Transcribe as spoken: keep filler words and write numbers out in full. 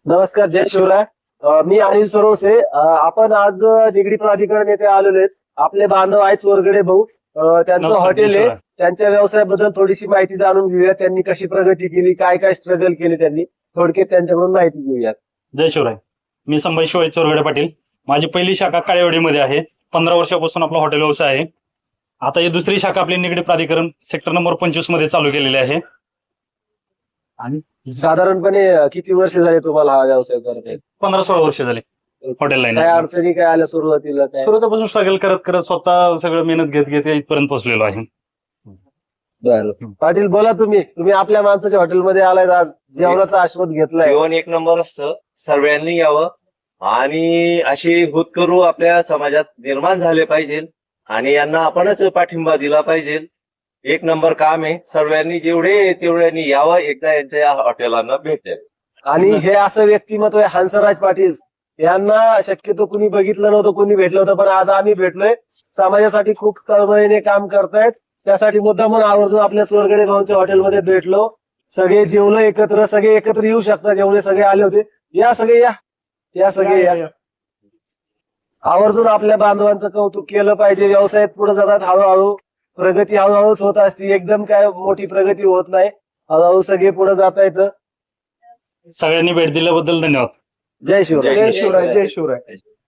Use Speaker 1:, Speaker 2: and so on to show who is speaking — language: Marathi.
Speaker 1: नमस्कार, जय शिवराय. अ, मी अनिल सरोसे. अ, आपण आज निगडी प्राधिकरण येथे आलेलो आहेत. आपले बांधव आहेत चोरगडे भाऊ. अ, त्यांचं
Speaker 2: नमस्कार,
Speaker 1: हॉटेल
Speaker 2: जय
Speaker 1: आहे.
Speaker 2: शिवराय.
Speaker 1: त्यांच्या व्यवसायाबद्दल थोडीशी माहिती जाणून घेऊया. त्यांनी कशी प्रगती केली, काय काय स्ट्रगल केले त्यांनी, थोडक्यात त्यांच्याकडून माहिती घेऊयात.
Speaker 2: जय शिवराय. मी संभाजी शिवाजी चोरगडे पाटील. माझी पहिली शाखा काळेवाडीमध्ये आहे. पंधरा वर्षापासून आपला हॉटेल व्यवसाय आहे. आता ही दुसरी शाखा आपली निगडी प्राधिकरण सेक्टर नंबर पंचवीस मध्ये चालू केलेली आहे. आणि
Speaker 1: साधारणपणे अ, किती वर्ष झाले तुम्हाला हा व्यवसाय करताय?
Speaker 2: पंधरा सोळा वर्ष झाली हॉटेल लाईन.
Speaker 1: काय अडचणी काय आल्या सुरुवातीला? काय
Speaker 2: सुरुवातीपासून स्ट्रगल करत करत स्वतः सगळं मेहनत घेत घेत इथपर्यंत पोहोचलेलो आहे.
Speaker 1: बरं. पाटील बोला, तुम्ही तुम्ही आपल्या माणसाच्या हॉटेलमध्ये आलाय, आज जेवणाचा आस्वाद घेतलाय.
Speaker 3: जेवण एक नंबर असतं, सर्वांनी यावं आणि अशी होतकरू आपल्या समाजात निर्माण झाले पाहिजे आणि यांना आपणच पाठिंबा दिला पाहिजे. एक नंबर काम आहे. सर्वांनी जेवढे तेवढ्यांनी यावं, एकदा यांच्या हॉटेलांना भेट द्यावी.
Speaker 1: आणि हे असं व्यक्तिमत्व आहे हंसराज पाटील. यांना शक्यतो कुणी बघितलं नव्हतं, कुणी भेटलं होतं, पण आज आम्ही भेटलोय. समाजासाठी खूप तळमळीने काम करतायत. त्यासाठी मुद्दामून आवर्जून आपल्या चोरगडे भाऊंच्या हॉटेलमध्ये भेटलो. सगळे जेवलो एकत्र, सगळे एकत्र येऊ शकतात, एवढे सगळे आले होते. या सगळे या या सगळे या. आवर्जून आपल्या बांधवांचं कौतुक केलं पाहिजे. व्यवसायात पुढे जातात हळूहळू. प्रगती हळूहळूच होत असते, एकदम काय मोठी प्रगती होत नाही. हळूहळू सगळे पुढे जात आहेत.
Speaker 2: सगळ्यांनी भेट दिल्याबद्दल धन्यवाद.
Speaker 1: जय शिवराय.
Speaker 3: जय शिवराय. जय शिवराय.